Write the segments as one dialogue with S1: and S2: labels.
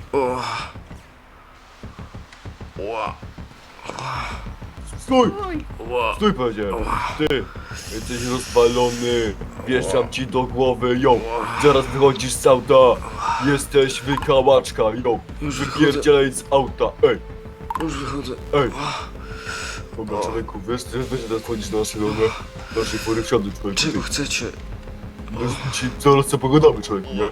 S1: O. Ła.
S2: Stój!
S1: Ła.
S2: Stój, powiedziałem! Ty! Jesteś rozwalony! Wieszczam ci do głowy, ją! Zaraz wychodzisz z auta! Jesteś wykałaczka, ją!
S1: Już wychodzę.
S2: Wypierdzielaj z auta! Ej!
S1: Już wychodzę.
S2: Ej! Dobra, człowieku, wiesz, ty będzie teraz wchodzić na naszej pory wsiady, człowieku.
S1: Czego chcecie?
S2: Ci zaraz co pogadamy, człowieku, nie?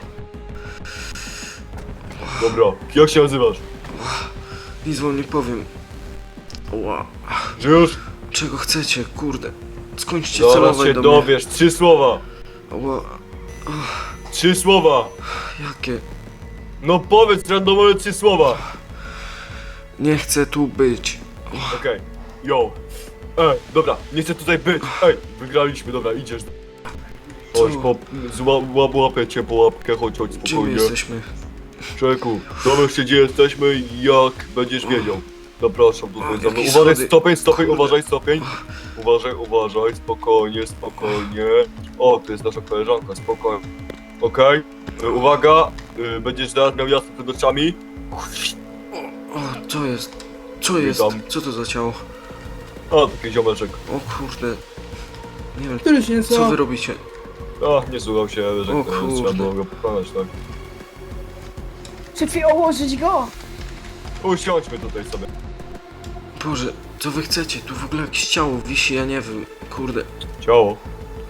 S2: Dobra, jak się nazywasz?
S1: Nic wam nie powiem. Ła.
S2: Żyjesz?
S1: Czego chcecie? Kurde. Skończcie
S2: Zaraz
S1: celować
S2: się
S1: do mnie.
S2: dowiesz, 3 słowa!
S1: Ła.
S2: 3 słowa!
S1: Jakie?
S2: No powiedz randomowe 3 słowa!
S1: Nie chcę tu być.
S2: Okej, yo. Ej, dobra, nie chcę tutaj być. Ej, wygraliśmy, dobra, idziesz. Chodź, łapię cię po łapkę, chodź,
S1: Gdzie my
S2: spokojnie.
S1: jesteśmy?
S2: Człowieku, dowiesz się gdzie jesteśmy i jak będziesz wiedział. Zapraszam tutaj za mną.
S1: Jakie
S2: Uważaj,
S1: schody.
S2: stopień,
S1: Kurde.
S2: uważaj, stopień. Uważaj, spokojnie, spokojnie. O, to jest nasza koleżanka, spokojnie. Okej, uwaga, będziesz teraz miał jasno przed oczami.
S1: O, co jest? Co jest?
S2: Witam.
S1: Co to za ciało?
S2: A, taki ziomeczek.
S1: O kurde. Nie wiem,
S3: Który się
S1: co wy robicie?
S2: A, nie słuchał się, że
S1: O
S2: trzeba
S1: kurde.
S2: było go pokonać, tak?
S3: Szefie, ołożyć go!
S2: Usiądźmy tutaj sobie.
S1: Boże, co wy chcecie? Tu w ogóle jakieś ciało wisi, ja nie wiem. Kurde.
S2: Ciało.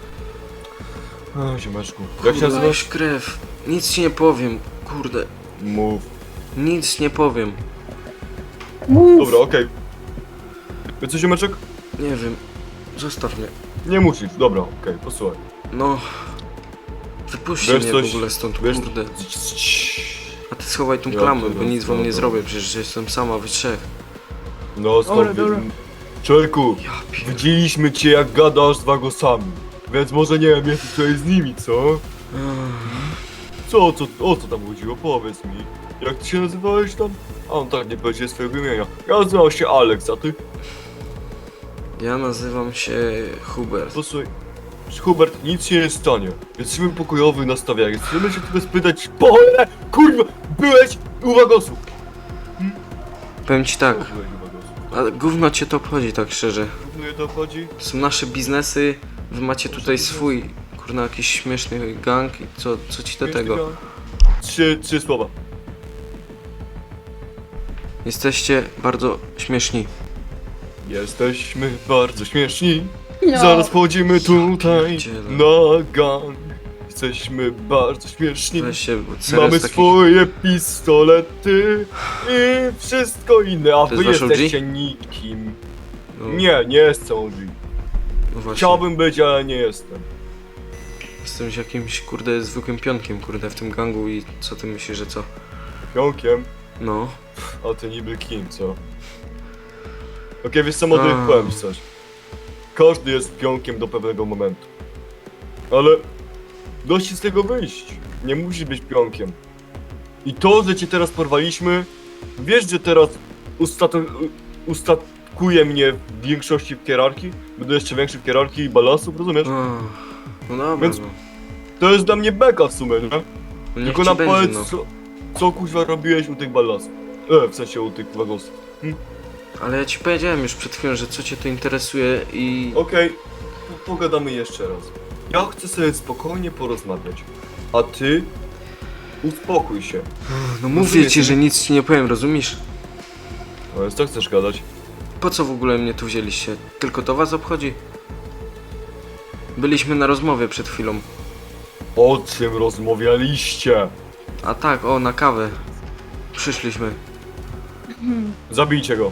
S2: A, ziomeczku. Jak się
S1: Kurde,
S2: nazywasz?
S1: jakaś krew. Nic ci nie powiem. Kurde.
S2: Mów.
S1: Nic nie powiem.
S3: Mów!
S2: Dobra, okej. Wiesz co, ziomeczek?
S1: Nie wiem. Zostaw mnie.
S2: Nie musisz, dobra, okej, posłuchaj.
S1: No. Wypuśćcie
S2: Wiesz
S1: mnie
S2: coś-
S1: w ogóle stąd,
S2: Wiesz...
S1: kurde. A ty schowaj tą
S2: Ja
S1: klamę, bo
S2: pierdolę,
S1: nic wam nie
S2: dobra.
S1: zrobię, przecież jestem sama, wy trzech.
S2: No, skąd
S3: Dobra.
S2: Człowieku,
S1: Ja pier...
S2: widzieliśmy cię jak gadasz z wagosami. Więc może nie wiem, jesteś tutaj z nimi, co? O co tam chodziło? Powiedz mi. Jak ty się nazywałeś tam? A on tak nie powiedział swojego imienia. Ja nazywam się Alex, a ty?
S1: Ja nazywam się Hubert.
S2: Posłuchaj, Hubert, nic się nie stanie. Jesteśmy pokojowy nastawieni. Chcemy się tylko spytać, po cholerę, kurwa, byłeś u wagosów.
S1: Powiem ci tak,
S2: Byłeś u wagosów.
S1: ale gówno cię to obchodzi tak szczerze.
S2: Równo je to chodzi?
S1: To są nasze biznesy, wy macie tutaj swój, kurna, jakiś śmieszny gang i co ci do tego?
S2: Trzy słowa.
S1: Jesteście bardzo śmieszni.
S2: Jesteśmy bardzo śmieszni.
S3: No.
S2: Zaraz wchodzimy tutaj
S1: pierdzielę.
S2: na gang. Jesteśmy bardzo śmieszni.
S1: Weź się, bo serio
S2: Mamy
S1: z takich...
S2: swoje pistolety i wszystko inne, a
S1: To
S2: wy
S1: jest wasz OG?
S2: jesteście nikim.
S1: No,
S2: Nie jestem OG.
S1: no właśnie.
S2: Chciałbym być, ale nie jestem.
S1: Jestem jakimś, kurde, zwykłym pionkiem, kurde, w tym gangu i co ty myślisz, że co?
S2: Pionkiem,
S1: No.
S2: a ty niby kim, co? Okej, wiesz co, młody,
S1: A.
S2: powiem ci coś. Każdy jest pionkiem do pewnego momentu. Ale dość z tego wyjść. Nie musisz być pionkiem. I to, że cię teraz porwaliśmy, wiesz, że teraz ustatkuje mnie w większości w hierarchii? Będę jeszcze większy w hierarchii i balasów, rozumiesz?
S1: No dobra,
S2: Więc-
S1: no.
S2: To jest dla mnie beka w sumie, nie?
S1: No niech
S2: Tylko
S1: ci
S2: nam
S1: będzie,
S2: powiedz,
S1: no.
S2: co kuźwa robiłeś u tych balasów? W sensie u tych wagosów.
S1: Ale ja ci powiedziałem już przed chwilą, że co cię to interesuje i...
S2: Okej, pogadamy jeszcze raz. Ja chcę sobie spokojnie porozmawiać, a ty uspokój się.
S1: No mówię ci, że nic ci nie powiem, rozumiesz?
S2: No więc co chcesz gadać?
S1: Po co w ogóle mnie tu wzięliście? Tylko to was obchodzi? Byliśmy na rozmowie przed chwilą.
S2: O czym rozmawialiście?
S1: A tak, o, na kawę. Przyszliśmy.
S2: Zabijcie go.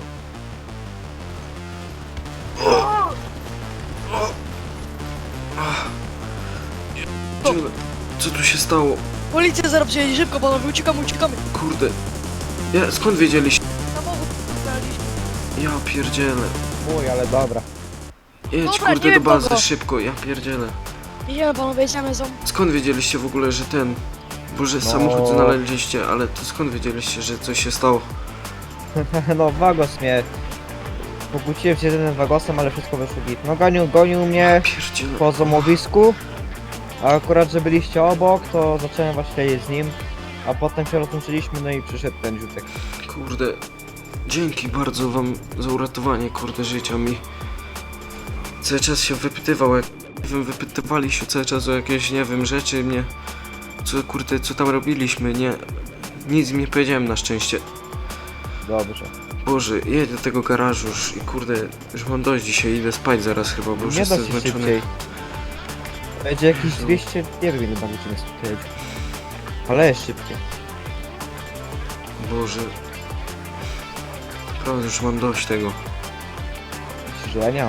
S1: Co tu się stało?
S4: Policja zaraz przyjedzie, szybko panowie, uciekamy.
S1: Kurde. Ja, skąd wiedzieliście?
S4: Samochód znaleźliśmy.
S1: Ja pierdzielę.
S5: Uj, ale dobra.
S1: Jedź
S4: Dobra,
S1: kurde
S4: nie
S1: do
S4: wiem
S1: bazy,
S4: kogo.
S1: szybko, ja pierdzielę.
S4: Jedziemy panowie, jedziemy, są.
S1: Skąd wiedzieliście w ogóle, że ten... Boże,
S5: No.
S1: samochód znaleźliście, ale to skąd wiedzieliście, że coś się stało?
S5: No, Wagos mnie... Pokłóciłem się z jednym Wagosem, ale wszystko wyszło git. No, gonił mnie
S1: Pierdzielę.
S5: po złomowisku. A akurat, że byliście obok, to zacząłem was śledzić z nim. A potem się rozłączyliśmy, no i przyszedł ten rzutek.
S1: Kurde, dzięki bardzo wam za uratowanie, kurde, życia mi. Cały czas się wypytywał, jak nie wiem, wypytywali się cały czas o jakieś, nie wiem, rzeczy mnie. Co, kurde, co tam robiliśmy, nie. Nic mi nie powiedziałem na szczęście.
S5: Dobrze.
S1: Boże, jedź do tego garażu już i kurde, już mam dość dzisiaj, idę spać zaraz chyba, bo już
S5: Nie da
S1: jestem
S5: się
S1: zmęczony.
S5: szybciej. Będzie jakieś 200, nie wiem ile będzie nas tutaj jedzie. Ale jest szybciej.
S1: Boże. Naprawdę już mam dość tego.
S5: Myślisz, że ja nie mam.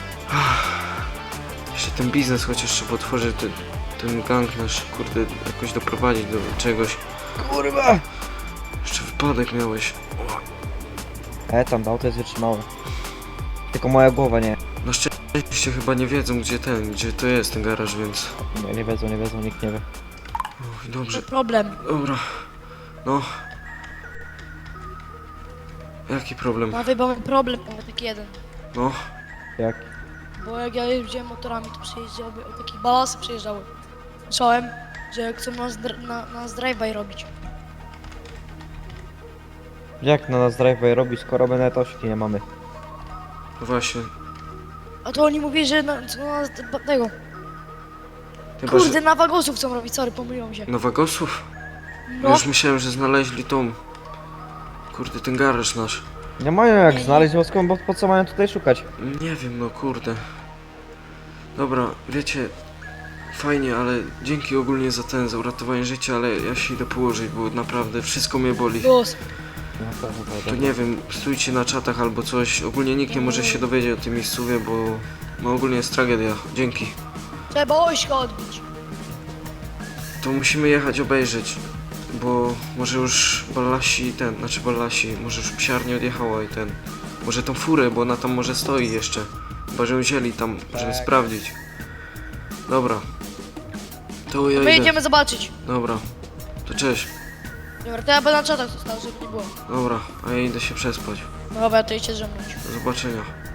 S1: Jeszcze ten biznes chociaż trzeba otworzyć, ten gang nasz, kurde, jakoś doprowadzić do czegoś.
S5: Kurwa!
S1: Jeszcze wypadek miałeś.
S5: Tam to auto jest wytrzymałe. Tylko moja głowa nie.
S1: Na szczęście chyba nie wiedzą gdzie to jest ten garaż, więc...
S5: Nie wiedzą, nikt nie wie.
S1: Uch, dobrze,
S4: Problem.
S1: dobra. No. Jaki problem?
S4: Panowie, bo mamy problem, mamy taki jeden.
S1: No.
S5: Jak?
S4: Bo jak ja jeździłem motorami, to przejeżdżały, o takie balasy przejeżdżały. Słyszałem, że chcą nas drive-by robić.
S5: Jak na nas drive robi, skoro my nawet ośki nie mamy?
S1: Właśnie.
S4: A to oni mówili, że tego.
S1: Chyba,
S4: Kurde,
S1: że...
S4: na wagosów chcą robić, sorry, pomyliłem się.
S1: Nowagosów? Ja
S4: No,
S1: już myślałem, że znaleźli tą... Kurde, ten garaż nasz.
S5: Nie mają jak
S4: Nie,
S5: znaleźć, bo skąd, bo po co mają tutaj szukać?
S1: Nie wiem, no kurde. Dobra, wiecie, fajnie, ale dzięki ogólnie za uratowanie życia, ale ja się idę położyć, bo naprawdę wszystko mnie boli.
S4: głos.
S5: No
S1: To nie wiem, stójcie na czatach albo coś. Ogólnie nikt nie może się dowiedzieć o tym miejscówie, bo no ogólnie jest tragedia. Dzięki.
S4: Trzeba ośka odbić.
S1: To musimy jechać obejrzeć, bo może już Ballasi, może już psiarnia odjechała i może tą furę, bo ona tam może stoi jeszcze. Chyba, że ją wzięli tam, żeby
S5: Tak.
S1: sprawdzić. Dobra. To ja
S4: My
S1: idę.
S4: idziemy zobaczyć.
S1: Dobra. To cześć.
S4: Dobra, to ja będę na czatach został, żeby nie było.
S1: Dobra, a ja idę się przespać.
S4: Dobra, to idźcie ze mną.
S1: Do zobaczenia.